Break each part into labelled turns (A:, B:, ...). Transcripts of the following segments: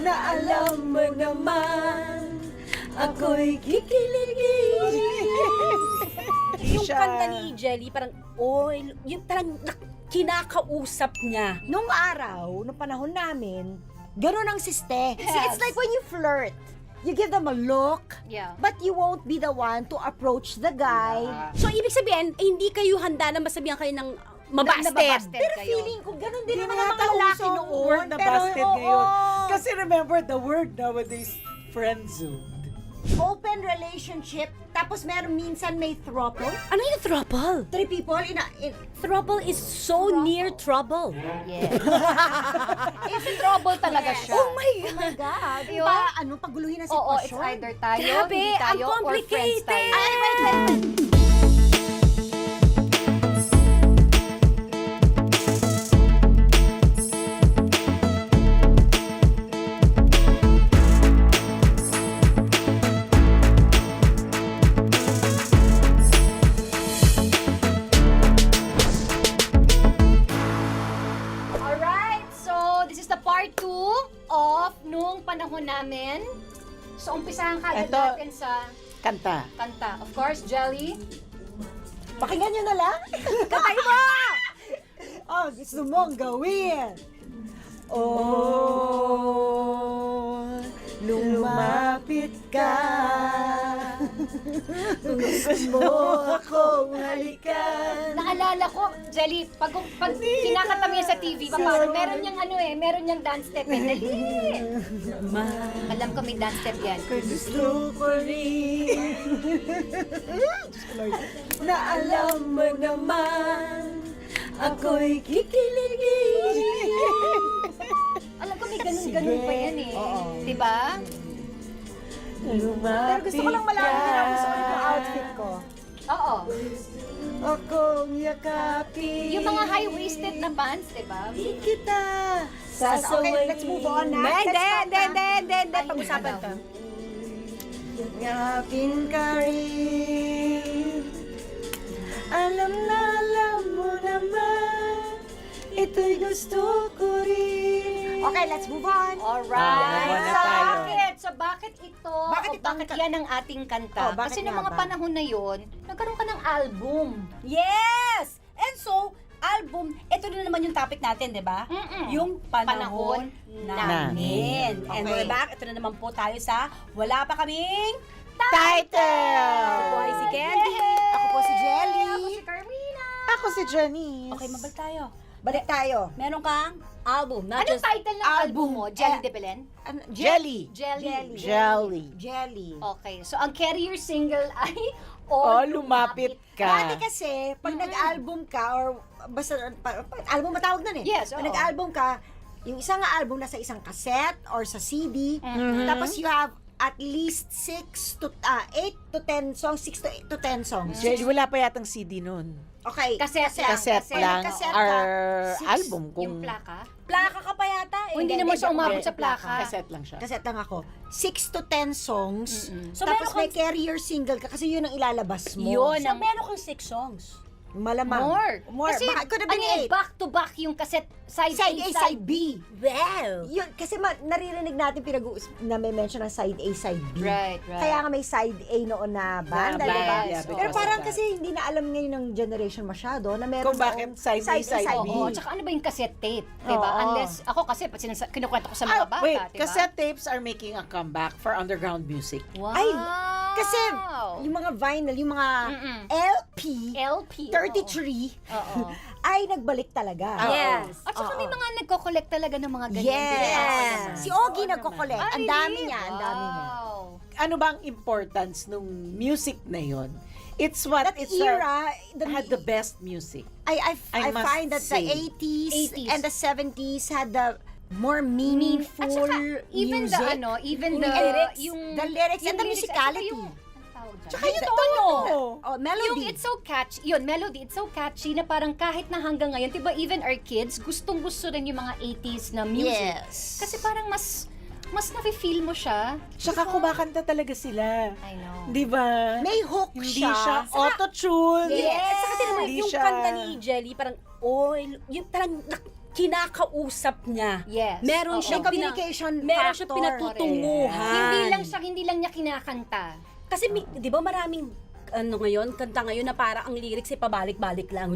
A: na alam mo naman ako'y kikiligin.
B: Yung
C: siya-
B: kanta ni Jelly, parang, yung parang kinakausap niya.
A: Nung araw, nung panahon namin, ganun ang siste. See, it's like when you flirt. You give them a look,
D: Yeah.
A: but you won't be the one to approach the guy.
B: So, ibig sabihin, hindi kayo handa na masabihan kayo ng mabasted.
D: Nababasted
A: Pero
D: kayo.
A: feeling ko, ganun din
C: Hindi
A: naman
C: na
A: ang mga lalaki
C: uso
A: noon.
C: word na
A: Pero,
C: busted
A: oo.
C: ngayon. Kasi remember, the word nowadays, friendzone.
A: Open relationship, tapos meron minsan may throuple.
B: Ano yung throuple?
A: 3 people in
B: Throuple is so near trouble.
D: Yeah. It's trouble talaga siya.
B: Oh my
A: Oh my God.
D: Yun.
A: Paguluhin ang
D: Oo,
A: sitwasyon.
D: it's either tayo,
B: Grabe,
D: hindi
B: ang
D: tayo, or friends
B: complicated.
D: tayo.
A: Ay, wait.
D: Alright, so this is the part 2 of nung panahon namin. So umpisahan ka agad
C: Eto.
D: natin sa
C: Kanta.
D: kanta. Of course, Jelly.
A: Pakinggan nyo na lang. Katay mo! Oh, gusto mong gawin. Oh, lumapit ka. Gusto mo akong halikan.
D: Naalala ko, Jelly, pag kinakanta mo yan sa TV, meron niyang meron niyang dance step. Dali! Alam ko may dance step yan.
A: Gusto ko rin. Na alam mo naman ako'y kikiligin.
D: Alam ko may ganun-ganun pa yan eh.
A: Oo.
D: Diba?
A: Pero gusto ko lang malaman din ang gusto ko yung outfit ko.
D: Oo.
A: Akong yakapin.
D: Yung mga high-waisted na pants, diba?
A: kita. Okay, let's move on na.
B: Hindi.
D: Ay,
B: Pag-usapan
D: ano
B: to.
A: Yakapin ka rin. Alam mo naman, ito'y gusto ko rin. Okay, let's move on.
D: Alright.
C: move on na
D: So,
C: tayo.
D: bakit ito?
A: Bakit
D: o
A: ito ang
D: bakit
A: ka-
D: yan ang ating kanta?
A: Oh, bakit
D: Kasi noong
A: nga
D: mga
A: ba?
D: panahon na yon, nagkaroon ka ng album.
B: Yes! And so, album, ito na naman yung topic natin, di ba?
D: Mm-mm.
B: Yung panahon
D: Panahon
B: namin. And
A: Okay.
B: we're back. Ito na naman po tayo sa Wala Pa Kaming
C: Title!
B: Ako po ay si Candy.
A: Ako po si Jelly.
D: Ako si Carmina.
C: Ako si Janice.
B: Okay, mabalik tayo.
A: Balik tayo.
B: Meron kang album, not
D: Anong
B: just
D: title ng album mo? Jelly de Belen?
A: Ano,
C: Jelly.
D: Jelly.
C: Jelly.
A: Jelly.
D: Okay, so ang carrier single ay
C: Oh, lumapit
A: Dati
C: ka.
A: kasi, pag nag-album ka, or basta, album matawag nun eh.
D: Yes,
A: Pag
D: oo.
A: nag-album ka, yung isang album nasa isang cassette or sa CD,
D: Mhm.
A: tapos you have at least 8 to 10 songs, 6 to 10 songs.
C: Jelly, wala pa yatang CD nun.
A: Okay.
D: Cassette
C: Cassette lang.
A: Cassette
C: Or
A: ka.
C: album
D: Yung
C: kung
D: plaka?
B: plaka ka pa yata eh.
D: O hindi naman siya umabot sa plaka.
C: cassette lang siya.
A: Cassette lang ako. 6 to 10 songs.
D: Mm-mm.
B: So,
A: Tapos
B: meron
A: may carrier single ka kasi yun ang ilalabas mo.
D: Yun.
B: So, meron kang 6 songs.
A: Malamang.
D: More. Kasi,
A: Baka could have been
D: ano
A: 8.
D: back to back yung cassette, side
A: Side A, side B.
B: Well.
A: Yun, kasi naririnig natin na may mention ng side A, side B.
D: Right.
A: Kaya nga may side A noon na banda,
C: Na
A: di ba?
C: band, yeah,
A: Pero
C: because
A: parang
C: of that.
A: kasi hindi na alam ngayon ng generation masyado na meron
C: Kung bakit
A: noong
C: side A, side B.
D: Oo, tsaka ano ba yung cassette tape? Diba?
A: Oo.
D: Unless, ako kasi, kinukwento ko sa mga bata,
C: Wait,
D: diba?
C: cassette tapes are making a comeback for underground music.
D: Wow!
A: Ay, kasi yung mga vinyl, yung mga
D: Mm-mm.
A: LP,
D: LP.
A: 33,
D: Oo.
A: ay nagbalik talaga.
C: Oo.
B: Yes.
D: At saka may
A: Oo.
D: mga nagko-collect talaga ng mga ganyan.
A: Yes! Si Ogie
C: Oo
A: nagko-collect.
D: Ah,
A: Ang
D: really?
A: dami niya, ang dami niya.
D: Wow.
C: Ano ba ang importance nung music na yon? It's what
A: That
C: it's
A: era,
C: had the best music.
A: I
C: I must
A: find that the
C: say.
A: 80s,
D: 80s.
A: and the 70s had the more meaningful
D: At saka, even
A: music.
D: even
A: Yung
D: the,
A: lyrics,
D: yung,
A: the lyrics and the
D: lyrics, at saka
A: musicality.
D: yung, anong tawag dyan?
C: Tsaka yung
A: The-
C: tono.
A: Oh, melody.
D: Yung it's so catchy, yun, melody, it's so catchy na parang kahit na hanggang ngayon, diba, even our kids, gustong-gusto rin yung mga 80s na music.
A: Yes.
D: Kasi parang mas nafe-feel mo siya.
C: Tsaka kumakanta talaga sila.
D: I know.
C: Di ba?
A: May hook
C: Hindi
A: siya.
C: siya auto-tune.
B: Yes. At saka tinan mo,
C: Hindi
B: yung
C: siya-
B: kanta ni Jelly, parang, yung parang kinakausap niya.
D: Yes.
B: Meron
D: Oo.
B: siyang
A: May communication
B: meron siyang
A: factor.
B: pinatutunguhan.
D: Hindi lang niya kinakanta.
B: Kasi di ba maraming kanta ngayon na parang ang lyrics ay pabalik-balik lang.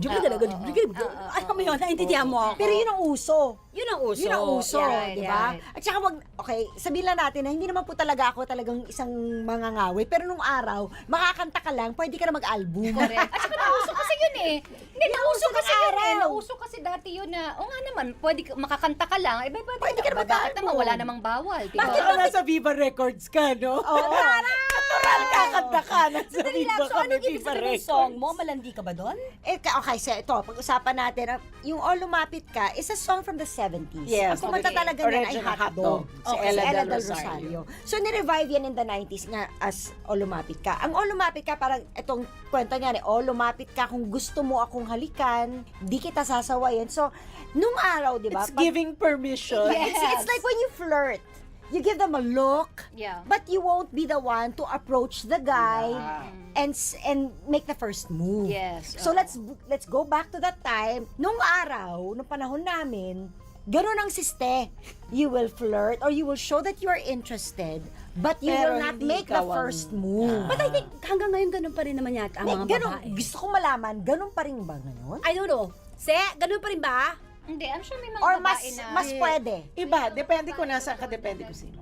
B: Alam mo yun, naintindihan mo ako.
A: Pero yun ang uso.
B: Yun ang uso.
A: Yun ang uso,
D: Right,
A: di ba?
D: right.
A: At saka okay, sabihin lang natin na hindi naman po talaga ako talagang isang mangangawi, pero nung araw, makakanta ka lang, pwede ka na mag-album.
D: Correct. At saka nauso kasi yun eh. Hindi, nauso kasi
A: ng
D: yun eh.
A: araw.
D: Nauso kasi dati yun na, nga naman, makakanta ka lang.
A: Pwede ka na
D: Bakit
A: mag-album.
D: naman, wala namang bawal. Diba?
C: Bakit ka nasa Viva Records ka, no?
A: Oo.
C: Natural kakanta ka. Nasa Viva
B: So,
C: ka,
B: ano
C: may
B: ibig
C: Viva
B: sabihin ng
C: Records.
B: song mo? Malandi ka ba doon?
A: Okay, so ito, pag-usapan natin, yung All Lumapit Ka is a song from the 70s.
C: Yes,
A: Ang kumanta
C: okay.
A: talaga niyan ay
C: Original
A: Hotdog.
C: Si
A: Okay,
C: Ella
A: si Ella
C: Del
A: Del
C: Rosario.
A: Rosario. So, nirevive yan in the 90s nga as All Lumapit Ka. Ang All Lumapit Ka, parang itong kwento niya, All Lumapit Ka, kung gusto mo akong halikan, di kita sasawayin. So, nung araw, di ba?
C: It's giving permission.
A: It's like when you flirt. You give them a look,
D: Yeah.
A: but you won't be the one to approach the guy and make the first move.
D: Yes,
A: So
D: oo.
A: let's go back to that time. Nung araw, nung panahon namin, ganun ang siste. You will flirt or you will show that you are interested, but you
C: Pero
A: will not
C: hindi
A: make the
C: ikaw ang-
A: first move.
B: But I think hanggang ngayon ganun pa rin naman yata ang mga
A: Ganun,
B: babae.
A: gusto ko malaman, ganun pa rin ba ngayon?
B: I don't know. Ganun pa rin ba?
D: Hindi, I'm sure may mga
A: Or mas
D: babae na
A: mas pwede?
C: Iba, depende ko nasa ka, depende ko sino.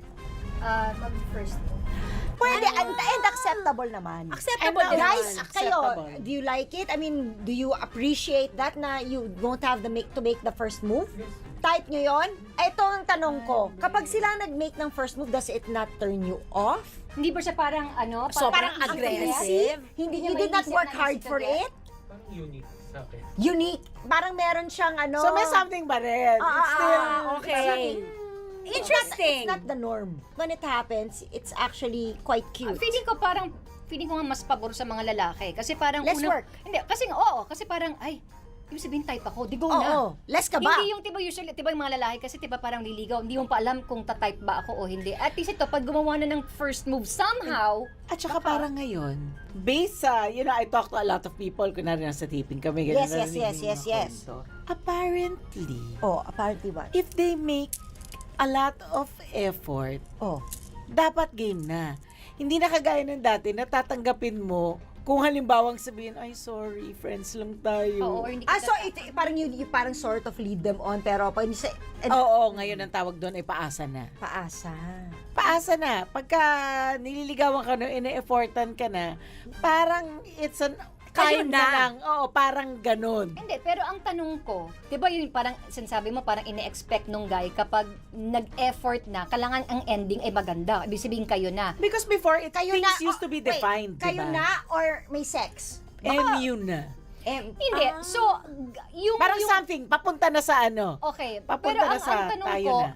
D: mag-first mo.
A: Pwede, and acceptable naman.
B: Acceptable
C: And
B: din
A: Guys,
B: naman.
A: kayo,
C: Acceptable.
A: do you like it? I mean, do you appreciate that na you won't have to make the first move? Type nyo yon? Ito ang tanong ko. Kapag sila nag-make ng first move, does it not turn you off?
D: Hindi ba siya parang
B: Sobrang
D: parang
B: aggressive.
A: Hindi,
D: Hindi
A: you
D: niya
A: did not
D: maiisip
A: work
D: na
A: hard
D: isip
A: for
D: agad?
A: it?
E: Parang unique sa akin.
A: Unique. Parang meron siyang ano.
C: So may something ba rin? It's still,
B: okay. Interesting.
A: It's not the norm. When it happens, it's actually quite cute.
D: Feeling ko nga mas pabor sa mga lalaki kasi parang
A: Less work.
D: Hindi, kasi parang ibig sabihin type ako, di go
A: Oo,
D: na.
A: less ka ba?
D: Hindi yung usually yung mga lalaki kasi parang liligaw, hindi mo pa alam kung ta-type ba ako o hindi. At least ito, pag gumawa na ng first move somehow,
C: At saka parang ngayon, based sa, I talk to a lot of people, kunwari nasa taping kami, ganun,
A: Yes,
C: narinig
A: yes,
C: yung
A: yes,
C: mga
A: yes.
C: kwento. Apparently,
A: Oh, apparently what?
C: if they make a lot of effort,
A: Oh.
C: dapat game na. Hindi na kagaya ng dati, natatanggapin mo kung halimbawang sabihin, ay sorry, friends lang tayo.
D: or hindi
A: So parang you parang sort of lead them on, pero pag you say,
C: Oo, ngayon ang tawag doon ay paasa na.
A: paasa.
C: Paasa na. Pagka nililigawan ka no, ine-effortan ka na, parang it's an
B: Kayo
C: ayun
B: na.
C: lang. Oo, parang ganun.
D: Hindi, pero ang tanong ko, 'di ba yun parang sinasabi mo parang ine-expect nung guy kapag nag-effort na, kailangan ang ending ay maganda. Ibig sabihin kayo na.
C: Because before,
A: Kayo
C: things
A: na,
C: used to be
A: wait,
C: defined,
A: Kayo
C: diba?
A: na or may sex?
C: MU na.
D: Hindi. So, yung
C: Parang
D: yung,
C: something, papunta na sa ano.
D: okay,
C: Papunta
D: pero
C: na sa
D: ang tanong
C: tayo
D: ko,
C: na.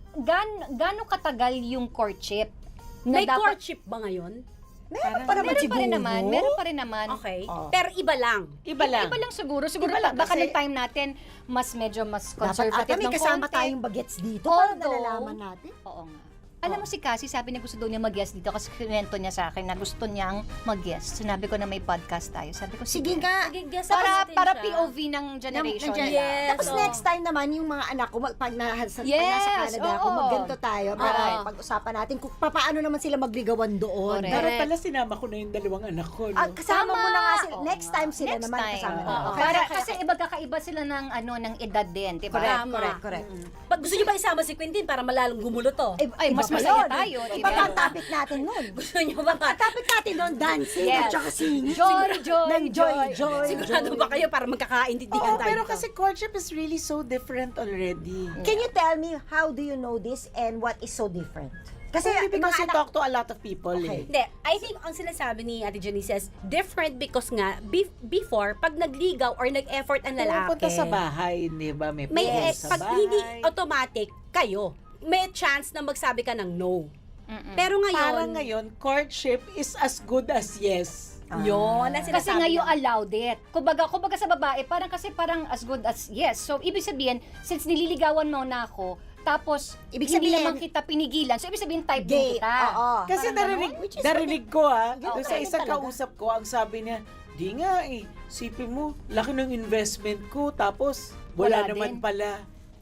D: gaano katagal yung courtship?
B: May courtship ba ngayon?
A: Meron pa naman
D: Meron
A: siguro.
D: pa rin naman, meron pa rin naman.
B: Okay.
A: Oo.
B: Pero iba lang.
C: Iba lang.
D: Iba lang siguro. Siguro
C: Iba lang
D: baka
C: kasi-
D: nung time natin, medyo mas
A: Dapat
D: conservative
A: may
D: ng
A: kasama
D: konti.
A: tayong bagets dito para
D: Although-
A: nalalaman natin.
D: Oo nga. Alam mo si Cassie, sabi niya gusto daw niya mag-guest dito kasi kinento niya sa akin na gusto niyang mag-guest. Sinabi ko na may podcast tayo. Sabi ko,
A: Sige nga.
B: Sige, guess
D: Para
B: natin
D: para
B: siya.
D: POV ng generation
A: Nandiyan.
D: nila.
B: Yes.
A: Tapos
B: oo.
A: next time naman, yung mga anak ko, pag nasa
D: Yes,
A: Canada ako,
D: oo.
A: magganto tayo para
D: Oo.
A: pag-usapan natin kung paano naman sila magligawan doon.
D: Correct.
C: Dapat pala sinama ko na yung dalawang anak ko, no?
A: Kasama mo na nga sila.
D: Oo
A: Next
D: nga.
A: time sila
D: Next
A: naman
D: time.
A: kasama.
D: Oo.
A: na.
D: Para kasi iba kakaiba sila ng ng edad din, 'di ba?
A: Correct,
B: Tama.
A: correct.
B: Pag gusto niyo ba isama si Quentin para malalong gumulo to?
D: Ay, mas
A: iba pa
D: masaya
A: yun.
D: tayo,
A: Iba
D: diba?
A: pa ang topic natin nun.
B: Gusto niyo ba
A: Ang topic natin nun, dancing
D: Yes.
A: at saka singing.
D: Joy, joy,
A: Ng joy, joy.
B: Sigurado ba kayo para magkakaintindihan
C: Oo,
B: tayo
C: pero
B: dito?
C: kasi courtship is really so different already.
A: Can you tell me, how do you know this and what is so different? Kasi
C: Kasi because you
A: mga anak,
C: talk to a lot of people,
A: Okay.
C: eh.
B: Hindi, I think ang sinasabi ni Ate Janice says, different because nga, before, pag nagligaw or nag-effort ang lalaki,
C: Pumupunta sa bahay, di ba? May
B: may
C: pupunta sa
B: pag
C: bahay.
B: hindi automatic, kayo, may chance na magsabi ka ng no. Pero
C: Parang
B: ngayon,
C: ngayon, courtship is as good as yes.
B: yun, ang
D: Kasi
B: sinasabi
D: nga you
B: niya.
D: allowed it. Kumbaga sa babae, parang as good as yes. So, ibig sabihin, since nililigawan mo na ako, tapos
A: Ibig
D: hindi
A: sabihin-
D: naman kita pinigilan, so ibig sabihin type
A: gay.
D: din kita.
A: Oo.
C: Kasi
D: Parang
C: narinig ko
A: Okay,
C: doon sa isang
A: talaga.
C: kausap ko, ang sabi niya, di nga sipin mo, laki ng investment ko, tapos wala
D: Wala
C: naman
D: din.
C: pala.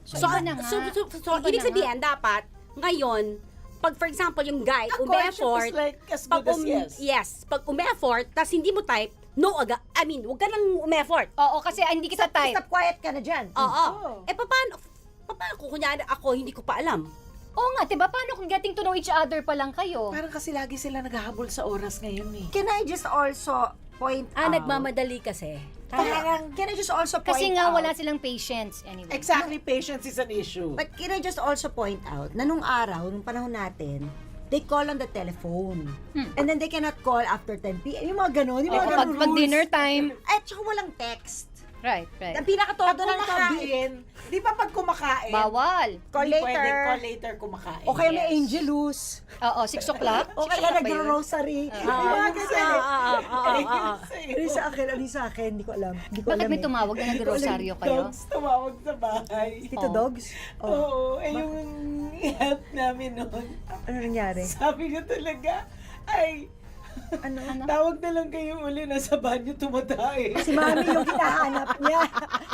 B: So,
D: iba na nga.
B: so
D: Iba
B: ibig
D: na
B: sabihin, dapat, ngayon, pag for example, yung guy,
C: A courtship
B: umeffort,
C: is like as
B: pag
C: good as yes.
B: yes, pag umeffort, tas hindi mo type, no aga, I mean, wag ka nang umeffort.
D: Oo, kasi hindi kita type.
A: Stop quiet ka na dyan.
B: Oo.
C: Oo.
B: Paano kung kunyari ako, hindi ko pa alam?
D: Oo nga, diba? Paano kung getting to know each other pa lang kayo?
C: Parang kasi lagi sila naghahabol sa oras ngayon eh.
A: Can I just also point out?
B: Nagmamadali kasi.
A: Parang, can I just also point
D: Kasi nga
A: out?
D: wala silang patience anyway.
C: Exactly, patience is an issue.
A: But can I just also point out na nung araw, nung panahon natin, they call on the telephone. And then they cannot call after 10 p.m. Yung mga ganon, yung mga
D: Pag,
A: ganon
D: pag
A: rules.
D: dinner time.
A: At saka walang text.
D: Right, right.
A: Ang pinakatodo
C: Pag
A: ng tabi.
C: kumakain, di ba pag kumakain,
D: Bawal.
A: Call
C: hindi
A: later.
C: pwedeng call later kumakain.
A: O kaya may
D: Yes.
A: angelus.
D: Oo, 6 o'clock.
A: O
D: 6
A: kaya
D: o'clock ba yun?
A: nagro-rosary.
C: Yung mga ganyan eh.
A: Ano sa akin? Ano sa akin? Hindi ko alam. Hindi ko
D: Bakit
A: alam
D: may tumawag na nag-rosaryo kayo?
C: Dogs tumawag sa bahay.
A: Tito
D: Oh.
A: Dogs? Oh.
C: Oo, yung help namin noon.
A: Ano nangyari?
C: Sabi niya talaga, ay,
A: Ano?
C: tawag na lang kayo uli, nasa banyo tumatae.
A: Si Mami yung hinahanap niya.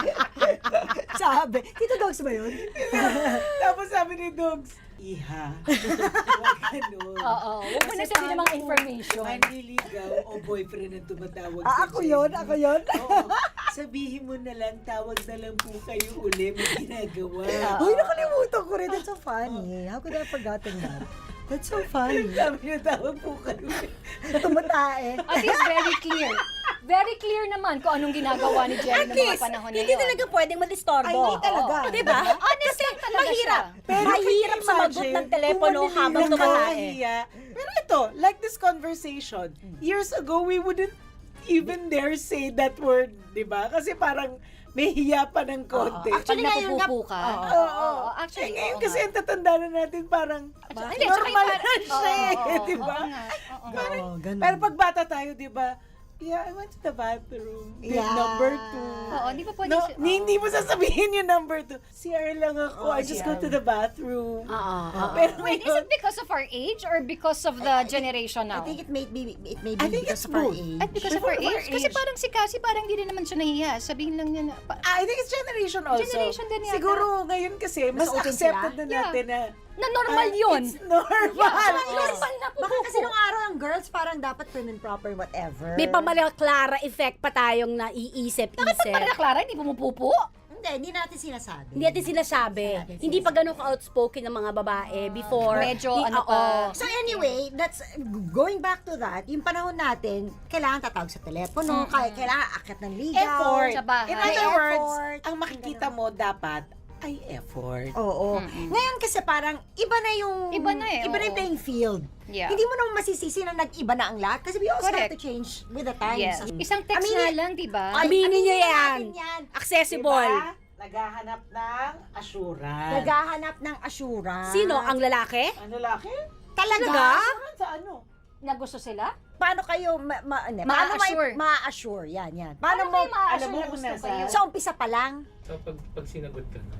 A: Sabi. Tito Dogs ba yun?
C: Tapos sabi ni Dogs, Iha, huwag ganun.
D: Oo, huwag mo na
C: Kasi
D: sabihin ng mga
C: paano
D: information.
C: Manliligaw o boyfriend ang tumatawag
A: Ako yun, ako yun.
C: Oo. Sabihin mo na lang, tawag na lang po kayo uli, may ginagawa.
A: Uy, nakalimutan ko rin. That's so funny. How could I have forgotten that? That's so funny.
C: Sabi niya, tawag po kayo uli.
A: Tumatae.
D: At least very clear. Very clear naman kung anong ginagawa ni Jerry
B: At
D: noong mga
B: least,
D: panahon na
B: hindi
D: yun.
B: talaga pwedeng madistorbo.
A: Ay, hindi talaga.
B: Oo, diba?
D: Honest lang talaga
B: Mahirap.
D: siya.
B: Mahirap sumagot ng telepono habang tumatae.
C: Nakakahiya. Pero ito, like this conversation, years ago, we wouldn't even dare say that word, di ba? Kasi parang may hiya pa ng konti.
D: Pag
A: Actually, ngayon nga-
D: napupupo ka.
C: Oo.
D: Actually,
C: Eh, ngayon
D: oo
C: kasi
D: nga.
C: ang tatanda na natin parang
D: Hindi, tsaka yung
C: normal
D: parang-
C: na siya
D: Oo,
C: eh, di ba?
D: oo nga, oo nga.
A: Oo, ganun.
C: Pero pag bata tayo, di ba? Yeah, I went to the bathroom. Did
A: Yeah.
C: number 2.
D: Oo, di ba pwede
C: No,
D: siya-
C: hindi mo sasabihin yung number 2. CR lang ako. I just go to the bathroom. Pero
D: Wait, is it because of our age or because of the generation
A: I
D: now?
A: think it may be
C: I think
A: because
C: it's
A: of our
C: both.
A: age.
D: At because of our
C: Before
D: age?
C: our
D: Kasi
C: age.
D: parang si Cassie, parang hindi rin naman siya nahiya. Sabihin lang niya na,
C: I think it's generation also.
D: Generation din yata.
C: Siguro ngayon kasi, mas
A: open
C: accepted
A: sila?
C: na natin na
D: na normal
C: ah,
D: yun.
C: It's normal.
D: Normal na po.
A: Baka kasi nung araw ang girls parang dapat prim and proper whatever.
B: May pamala Clara effect pa tayong naiisip-isip.
D: Para Clara, hindi pumupupo.
A: Hindi natin sinasabi.
B: Hindi natin sinasabi. Hindi pa ganun ka-outspoken ng mga babae before.
D: Medyo ano
B: oo.
D: pa.
A: So anyway, that's going back to that, yung panahon natin, kailangan tatawag sa telepono, kailangan akit ng ligaw.
C: Effort.
D: Sa bahay.
C: In
A: May
C: other words,
A: effort.
C: ang makikita mo dapat ay effort.
A: Oo. Ngayon kasi parang iba na yung
D: Iba na eh,
A: iba na yung
D: oo.
A: playing field.
D: Yeah.
A: Hindi mo naman masisisi na nag-iba na ang lahat kasi we also have
D: Correct.
A: to change with the times.
D: Yes. Isang text
A: Aminin-
D: nga lang, di ba?
B: Aminin niyo
A: na
B: yan.
A: natin yan.
B: Accessible.
C: Diba? Naghahanap ng assurance.
A: Naghahanap ng assurance.
B: Sino? Ang lalaki?
C: Ano lalaki?
A: Talaga?
C: Assurance sa ano?
D: Na gusto sila?
A: Paano kayo paano
D: Ma-assure.
A: ma-assure? Yan. Paano
D: Paano
A: mo
D: kayo ma-assure
C: alam mo
D: na
C: kung
D: gusto
C: nasa-
D: kayo?
A: sa umpisa pa lang?
E: So, pag sinagot ka na.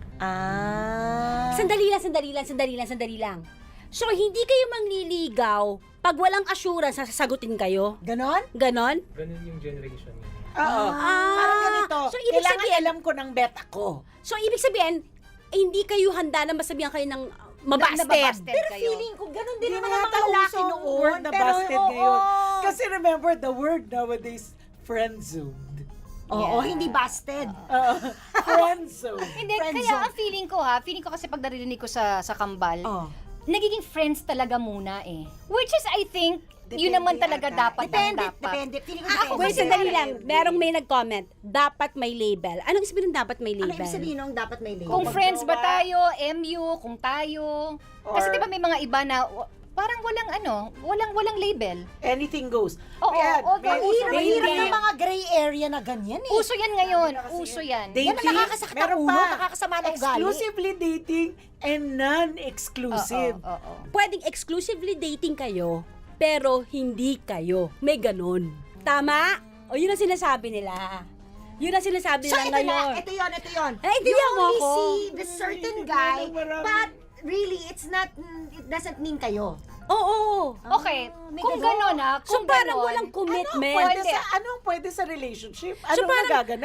B: Sandali lang. So, hindi kayo mangliligaw pag walang assurance na sasagutin kayo?
A: Ganon?
B: Ganon?
E: Ganun yung generation niya.
C: Oo. Parang ganito.
B: So, ibig
C: Kailangan
B: sabihin-
C: alam ko ng bet ako.
B: So, ibig sabihin, hindi kayo handa na masabihan kayo ng mabasted.
D: Nababasted
A: Pero
D: kayo.
A: feeling ko ganon din
C: Hindi
A: naman
C: na
A: ang
C: yata
A: mga lalaki
C: uso ang
A: noon.
C: word na
A: Pero,
C: busted
A: oo.
C: ngayon. Kasi remember, the word nowadays, friend-zoned.
A: Oo, hindi busted.
C: Friend-zoned.
D: Hindi,
A: Friend
D: kaya
A: zone.
D: ang feeling ko kasi pag narinig ko sa kambal,
A: Oh.
D: nagiging friends talaga muna eh. Which is, I think, yun
C: Depende
D: naman talaga
C: ata.
D: dapat.
A: Depende. Feeling ko depende.
B: Wait, sandali lang. Merong may nag-comment, dapat may label. Anong sabihin ng dapat may
A: Ano
B: label?
A: ibig sabihin nung dapat may label?
D: Kung
C: Pag
D: friends ba
C: jowa.
D: tayo, MU, kung tayo. Kasi
C: Or-
D: di ba may mga iba na parang walang label.
C: Anything goes.
D: Oo,
C: Ayan,
D: okay.
C: may-
A: Ang
C: may-
A: hirap
C: may-
A: ng mga gray area na ganyan eh.
D: Uso yan ngayon.
C: Ano na kasi
D: Uso
C: yun?
D: yan.
C: Dating,
A: Yan ang nakakasakit ang
C: meron
A: ulo,
C: pa.
A: nakakasama ng ugali.
C: Exclusively dating and non-exclusive.
D: Oo.
B: Pwedeng exclusively dating kayo, pero hindi kayo. May ganon. Tama? O yun ang sinasabi nila. Yun ang sinasabi
A: So
B: nila
A: ito
B: ngayon.
A: na, ito yun.
B: Ay,
A: You
B: intindihan mo
A: only
B: ako.
A: see the certain guy,
C: Marami.
A: but really, it doesn't mean kayo.
B: Oo.
D: Okay,
A: may
D: kung
A: ganon.
D: gano'n
B: So
D: kung
B: parang
D: ganon,
B: walang commitment.
C: Pwede
D: Pwede.
C: anong pwede sa relationship? Anong
B: parang-
C: nagaganap?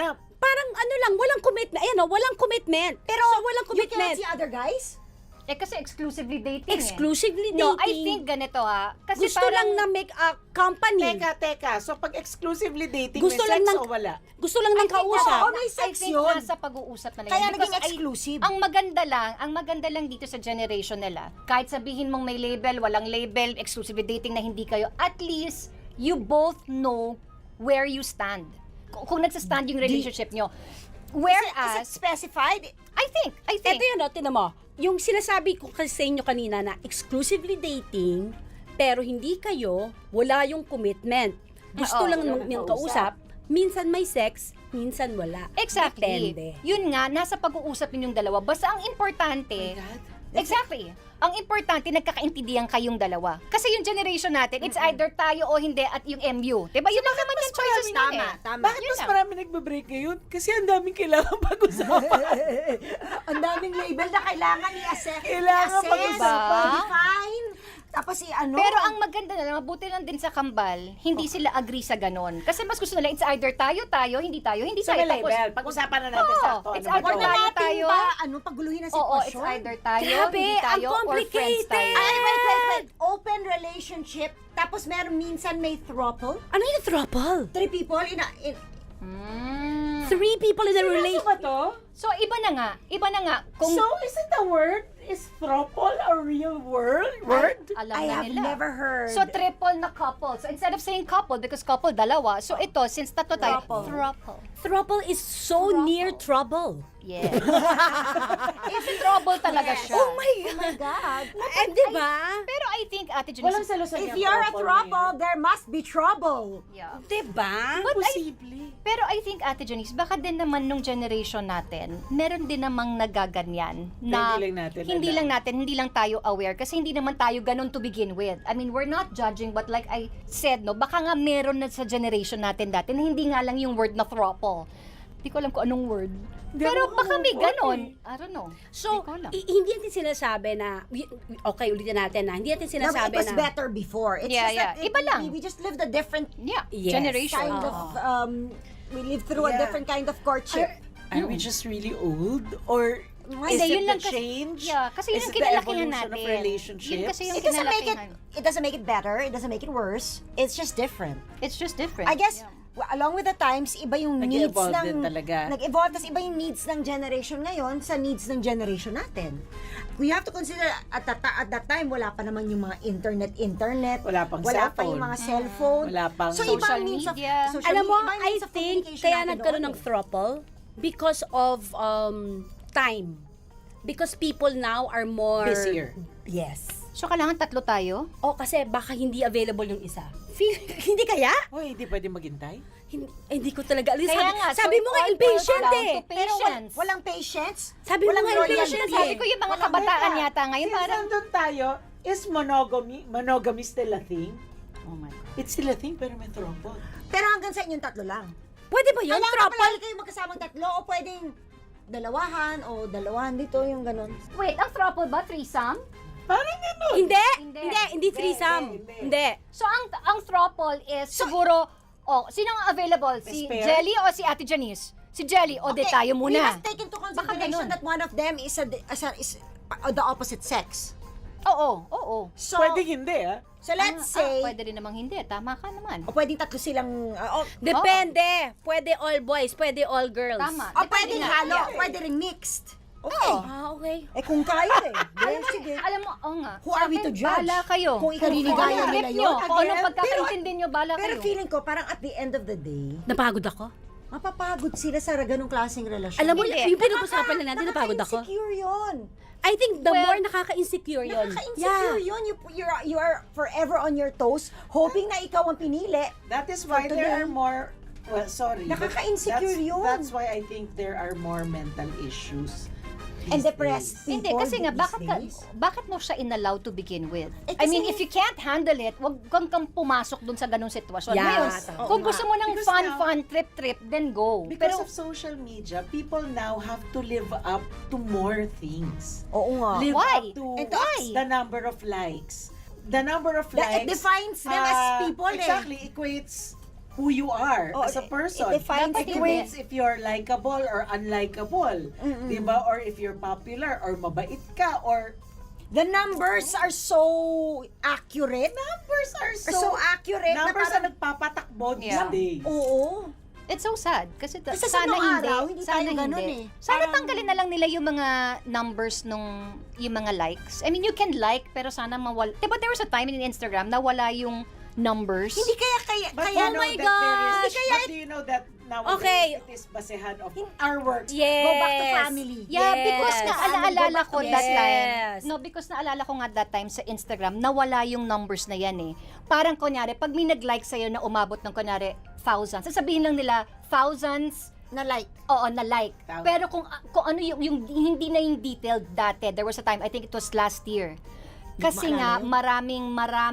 B: parang ano lang, walang commitment. Ayan o, walang commitment.
A: Pero
B: so, walang
A: you cannot
B: commitment.
A: see other guys?
D: Kasi exclusively dating
B: Exclusively
D: No, I
B: dating.
D: think ganito Kasi
B: Gusto lang na make a company.
C: Teka. So, pag exclusively dating,
B: Gusto
C: may
B: lang
C: sex
B: ng-
C: o wala?
B: Gusto lang ng kausap.
A: Oo, may sex
D: I think
A: yun.
D: nasa pag-uusap na lang
A: Kaya
D: yan. Because
A: naging exclusive.
D: ang maganda lang dito sa generation nila, kahit sabihin mong may label, walang label, exclusively dating na hindi kayo, at least, you both know where you stand. Kung nagsastand yung relationship nyo.
A: Is
D: Whereas,
A: it specified?
D: I think,
B: Ito yun, tinan mo. Yung sinasabi ko kasi sa inyo kanina na exclusively dating, pero hindi kayo, wala yung commitment. Gusto
D: Oo,
B: lang
C: wala
B: ng
C: nang
B: kausap, minsan may sex, minsan wala.
D: exactly.
B: Depende.
D: Yun nga, nasa pag-uusap ninyong dalawa. Basta ang importante, exactly. Ang importante, nagkakaintindihan kayong dalawa. Kasi yung generation natin, it's either tayo o hindi at yung MU. Diba? Yun lang naman yung choices nun
A: Tama.
C: Bakit
D: Yun
C: mas
D: lang.
C: marami nagbe-break ngayon? Kasi ang daming kailangan pag-usapan.
A: Ang daming label na kailangan i-assess.
C: Kailangan
A: i-assess,
C: pag-usapan.
A: define, tapos
D: Pero ang maganda na lang, mabuti lang din sa kambal, hindi sila agree sa ganon. Kasi mas gusto nila, it's either tayo, hindi tayo, hindi
C: Sa
D: tayo.
C: may label, pag-usapan na natin
D: Oo,
C: sa to.
D: it's
C: Ano ba
D: either
C: to?
A: Huwag na natin
D: tayo.
A: ba, paguluhin ang
D: Oo, it's
A: sitwasyon?
D: either tayo,
B: Grabe,
D: hindi
B: ang
D: tayo, or friends
B: complicated.
D: tayo.
A: Ay, wait. Open relationship, tapos meron minsan may throuple.
B: Ano yung throuple?
A: 3 people in
B: 3 people in a
C: Seryoso
B: relationship.
C: ba to?
D: So, iba na nga. Kung
C: So, is it a word? Is throuple a real word?
D: alam
A: I
D: na
A: have
D: nila.
A: never heard.
D: So, triple na couple. So, instead of saying couple, because couple, dalawa. So, ito, since tatlo tayo,
A: Throuple.
D: throuple.
B: Throuple is so near trouble.
D: Yes. It's trouble talaga siya.
B: Oh my
A: Oh my God.
B: Eh, di ba?
D: Pero I think, Ate Janice,
C: Walang salusan
A: If
C: yung
A: you're a
C: throuple
A: throuple,
C: niya.
A: there must be trouble.
D: yeah.
B: Di ba?
D: But
C: Posible.
D: Pero I think, Ate Janice, baka din naman nung generation natin, meron din namang nagaganyan. Na
C: Hindi lang natin
D: hindi lang tayo aware. Kasi hindi naman tayo ganun to begin with. I mean, we're not judging, but like I said, no, baka nga meron na sa generation natin dati na hindi nga lang yung word na throuple. Hindi ko alam kung anong word.
C: Hindi
D: Pero
C: ako
D: baka may
C: kamukha
D: ganon.
C: eh.
D: I don't know.
B: So,
D: Hindi ko alam.
B: hindi natin sinasabi na, okay, ulitin natin na, hindi natin
A: No,
B: sinasabi
A: it was
B: na,
A: better before. It's
D: Yeah,
A: just that
D: Iba lang.
A: we just lived a different
D: Yeah,
B: Yes.
D: generation.
A: kind of, we lived through a
C: Yeah.
A: different kind of courtship.
C: Are we just really old? Or is
D: Hindi,
C: it
D: yun
C: the
D: lang kasi-
C: change?
D: Yeah, kasi yun
C: Is
D: ang
C: it the
D: kinalakihan
C: evolution
D: natin.
C: of relationships?
D: Yun kasi yung
A: It doesn't make it
D: kinalakihan.
A: doesn't make it better, it doesn't make it worse. It's just different.
D: It's just different.
A: I guess
D: Yeah.
A: along with the times, iba yung needs
C: Nag-evolve
A: ng
C: din talaga.
A: Nag-evolve, tas iba yung needs ng generation ngayon sa needs ng generation natin. We have to consider at that time wala pa naman yung mga internet,
C: Wala pang
A: wala pa
C: cellphone.
A: yung mga cellphone.
C: Wala pang
A: so
D: social
A: ibang means of
D: media.
B: alam mo,
A: ibang
B: I
A: means of
B: think,
A: communication
B: kaya
A: natin
B: nagkaroon
A: noon
B: ng throuple because of time. Because people now are more...
C: Busier.
B: Yes.
D: So, kailangan tatlo tayo?
B: O kasi baka hindi available yung isa. Hindi kaya?
C: Hoy, hindi pwede maghintay?
B: Hindi ko talaga alam.
D: Kaya nga,
B: Sabi
D: so
B: mo
D: it
B: nga
D: all
B: impatient
D: boils down
B: eh.
D: to patience.
A: walang patience.
B: Sabi mo
A: walang
B: nga
A: loyalty.
B: impatient
D: Sabi
B: eh.
D: ko yung mga
C: Walang
D: kabataan
C: teka.
D: yata ngayon,
C: Since
D: parang...
C: nandun tayo, is monogamy still a thing?
D: Oh my God.
C: It's still a thing, pero may throuple.
A: Pero hanggang sa inyong tatlo lang.
B: Pwede ba yun?
A: Kailangan
B: Throuple?
A: palagi kayo magkasamang tatlo o pwedeng dalawahan o dalawahan dito yung ganun.
D: Wait, ang throuple ba? Threesome?
C: Parang gano'n.
B: Hindi.
D: Hindi.
B: Hindi threesome.
C: Hindi.
B: Hindi.
D: So, ang throuple is siguro... sino ang available? Si
C: May spare?
D: Jelly o si Ate Janice? Si Jelly, o de tayo
A: We
D: muna.
A: must take into
D: Baka
A: consideration
D: ganun.
A: that one of them is the opposite sex.
D: Oo.
A: So,
C: Pwede hindi, ah.
A: so let's say,
D: Pwede rin namang hindi. Tama ka naman.
A: o pwedeng tatlo silang,
B: Depende. Pwede all boys, pwede all girls.
D: Tama.
A: o
D: Depende
A: pwedeng
D: nga.
A: halo,
D: Yeah.
A: pwede rin mixed. Okay.
B: Ah, okay.
A: Eh kung kaya eh. Then, sige.
D: Alam mo, nga.
A: Who are we to judge?
D: Bahala kayo.
A: Kung ikaliligaya
D: Kung
A: nila
D: trip
A: yun,
D: nyo, Kung anong
A: again,
D: pagkakaintindi nyo, bahala
A: Pero
D: kayo.
A: feeling ko, parang at the end of the day,
B: Napagod ako.
A: mapapagod sila sa ganung klaseng relasyon.
B: Alam mo,
D: Hindi.
B: yung pinag-usapan na natin, napagod ako.
A: Nakaka-insecure yun.
B: I think the
D: Well,
B: more nakaka-insecure yun.
A: Nakaka-insecure yun. You are forever on your toes, hoping na ikaw ang pinili.
C: That is why
A: For
C: there
A: today.
C: are more, well, sorry. but
A: Nakaka-insecure yun.
C: That's why I think there are more mental issues.
A: And
C: these
A: depressed
C: days.
A: people
D: Hindi, kasi nga,
A: these days.
D: bakit mo siya inallow to begin with?
A: Eh,
D: I mean,
A: kasi-
D: if you can't handle it, wag kang pumasok dun sa ganung sitwasyon.
B: Yeah,
D: Ngayon,
B: tama.
D: kung
C: Oo
D: gusto
C: nga.
D: mo ng
C: Because
D: fun, trip, then go.
C: Because
D: Pero,
C: of social media, people now have to live up to more things.
A: Oo nga.
C: Live
D: Why?
C: up to
A: And why?
C: the number of likes. The number of
A: That it
C: likes
A: defines them as people
C: exactly equates who you are
A: Oh,
C: as a person.
A: it defines
C: It
A: you.
C: means if you're likable or unlikable.
A: Mm-mm.
C: Diba? Or if you're popular or mabait ka or
A: The numbers are so accurate.
C: numbers are
A: So accurate na
C: numbers
A: parang,
C: na nagpapatakbo these
D: Yeah.
C: days.
A: oo.
D: It's so sad. Kasi,
A: Kasi sa
D: sana
A: nung
D: hindi.
A: araw, hindi
D: sana
A: tayo ganun
D: hindi.
A: eh.
D: Sana
A: Parang-
D: tanggalin na lang nila yung mga numbers nung yung mga likes. I mean, you can like, pero sana mawala. Diba there was a time in Instagram na wala yung numbers?
A: Hindi kaya
C: But
A: kaya
C: you know
B: my
C: that there is,
B: gosh!
C: but do you know that nowadays
B: Okay.
C: it is basehan of our work?
B: Yes.
A: Go back to family.
D: Yeah,
B: Yes.
D: because na alaalala ko
B: Yes.
D: that time. No, because naalala ko nga that time sa Instagram, nawala yung numbers na yan eh. Parang kunyari, pag may nag-like sa'yo na umabot ng kunyari thousands, sasabihin lang nila thousands,
A: na like.
D: oo, na like.
C: Tama.
D: Pero kung ano yung hindi na yung detailed dati, there was a time, I think it was last year. Kasi nga, maraming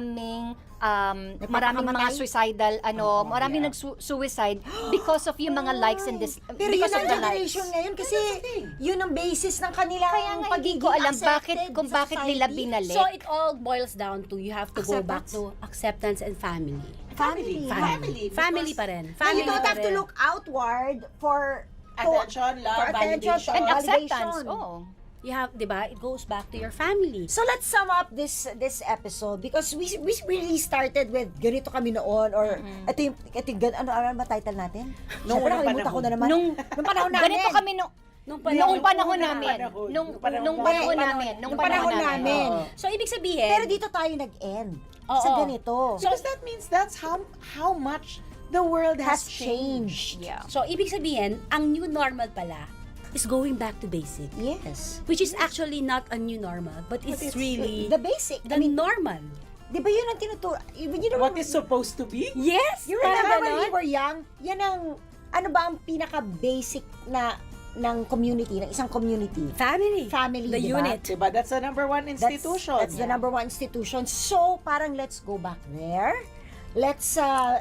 D: mga suicidal, maraming
C: yeah.
D: nag-suicide because of yung mga likes and
A: Pero yun
D: because of
A: ang
D: the likes.
A: generation ngayon kasi yun ang basis ng kanilang
D: Kaya nga hindi
A: pagiging
D: ko alam
A: accepted
D: kung
A: sa
D: bakit nila
A: society.
D: binalik.
B: So it all boils down to you have to go back
A: Acceptance.
B: to acceptance and family.
A: Family.
B: Family pa rin.
A: Now,
B: Family
A: you don't
B: pa
A: have to
B: rin.
A: look outward for
C: Attention, love,
A: for attention,
C: validation.
D: and
A: validation.
D: acceptance. Oh.
B: You have, di ba? It goes back to your family.
A: So let's sum up this episode because we really started with ganito kami noon or ito yung ano ba title natin?
C: Noong
A: Siyempre,
C: unang
A: nakalimutan ko na naman.
D: Nung
A: panahon namin.
D: ganito kami
B: Nung
D: noong panahon
C: Nung
D: namin.
C: panahon.
D: Nung
C: Nung
D: panahon
A: panahon.
D: namin.
A: Nung panahon namin.
C: Oo.
B: So, ibig sabihin,
A: Pero dito tayo nag-end.
B: Oo.
A: Sa ganito.
C: Because that means that's how much the world
A: Has
C: has
A: changed.
D: Yeah.
B: so, ibig sabihin, ang new normal pala is going back to basic.
A: Yes.
B: Which is actually not a new normal, but it's really
A: The basic.
B: the
A: I mean,
B: normal.
A: di ba yun ang tinuturo? You know,
C: What is supposed to be?
B: Yes!
A: you
B: parang
A: remember when
B: ganon.
A: we were young? Yan ang, ano ba ang pinaka-basic na ng community, ng isang community?
B: Family.
A: Family,
B: The
A: di ba?
B: unit.
C: Diba? That's the number one institution.
A: That's the number one institution. So, parang let's go back there. Let's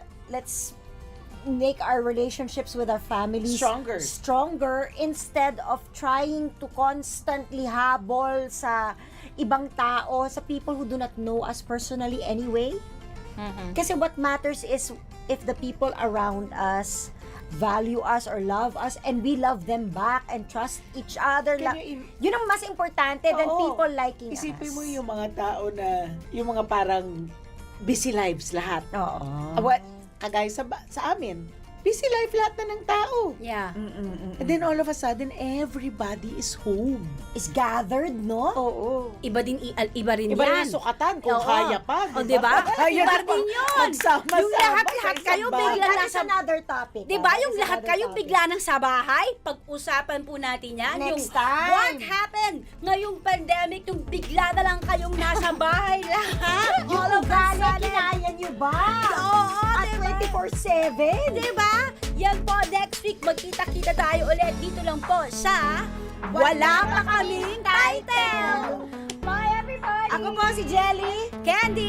A: make our relationships with our families stronger instead of trying to constantly habol sa ibang tao, sa people who do not know us personally anyway. Kasi what matters is if the people around us value us or love us and we love them back and trust each other. Yun ang mas importante than
C: Oo.
A: people liking us.
C: Isipin mo yung mga tao na, yung mga parang busy lives lahat.
A: Oo.
C: What? Kagaya sa amin, busy life lahat na ng tao.
B: Yeah.
C: And then all of a sudden, everybody is home.
A: Is gathered, no?
C: Oo.
B: Iba rin
C: Iba
B: yan.
C: rin yung sukatan kung
B: Oo.
C: kaya pa.
B: O, diba?
C: Kaya
B: Iba
C: na
B: din yun.
C: magsama-sama
B: Yung lahat-lahat
C: sa
B: kayo
C: isang bahay.
B: bigla
A: That is
B: nasa...
A: another topic.
B: Di ba
A: That
B: yung
A: is
B: lahat
A: another
B: kayong
A: topic.
B: bigla ng sa bahay? Pag-usapan po natin yan.
A: Next
B: yung
A: time.
B: What happened? Ngayong pandemic, yung bigla na lang kayong nasa bahay lahat.
A: All of us, kinaya nyo ba?
B: Oo,
A: At
B: diba?
A: 24/7?
B: Diba? Yan po, next week, magkita-kita tayo ulit dito lang po sa Wala Pa Kaming Title! Bye everybody!
A: Ako po si Jelly.
B: Candy!